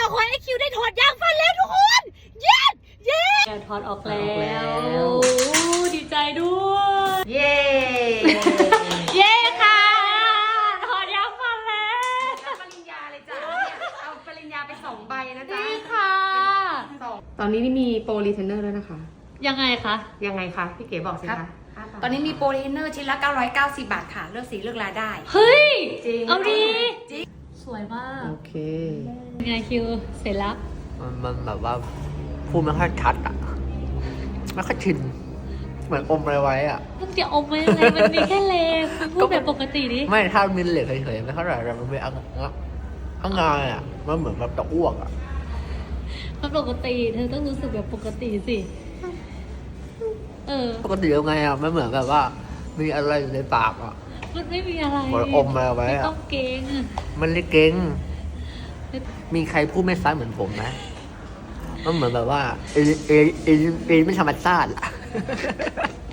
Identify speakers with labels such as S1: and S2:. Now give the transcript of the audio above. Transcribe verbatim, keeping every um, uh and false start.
S1: อคอยไอคิวได้ถอดยางฟันแล้วทุกคนเย้เย้ถอดออกแล้วดีใจด้วย
S2: เย้
S1: เย้ค่ะถอดยางฟันแล้ว
S2: ปริญญาเลยจ้ะเนี่ยเอาปริญญาไปสองใบนะจ๊ะ
S1: นี่ค่ะ
S2: ตอนนี้นี่มีโปรรีเทนเนอร์ด้วยนะคะ
S1: ยังไงคะ
S2: ยังไงคะพี่เก๋บอกสิ
S3: ครั
S2: คะ
S3: บ ตอนนี้มีโปรเทนเนอร์ชิ้นละเก้าร้อยเก้าสิบบาทค่ะ เลือกสีเลือกลายได้
S1: เฮ้ย
S2: จริง
S1: เอาดี
S3: จริง
S1: สวยมาก
S2: โอเค
S1: เป็นไงคิวเสร็จแล้ว
S4: มันมันแบบว่าพูดไม่ค่อยชัดอ่ะ ไม่ค่อยชิน เหมือนอมอะไรไว้อ่ะ
S1: มึงจะอมไว้ยังไงมันมีแค่เลมพูดแบบปกติดิ
S4: ไม่ถ้ามินเหล็กเฉยๆไม่เท่าไหร่แต่มันเป็นอ่ะอ่ะงายอ่ะ มันเหมือนแบบจะอ้วกอ่ะ
S1: มันปกติ เธอต้องรู้สึกแบบปกติสิ เออ
S4: ปกติยังไงอ่ะ มันเหมือนแบบว่า มีอะไรอยู่ในปากอ่ะ
S1: มันไม่มีอะไร
S4: เหมือนอมอะไรไว้
S1: ไม่
S4: อ่ะ
S1: ต้องเกรงอะ
S4: มันเลยเก่ง มีใครพูดไม่ซ้ำเหมือนผมไหมมันเหมือนแบบว่าเอเอเอเอไม่ธรรมชาติอ่ะ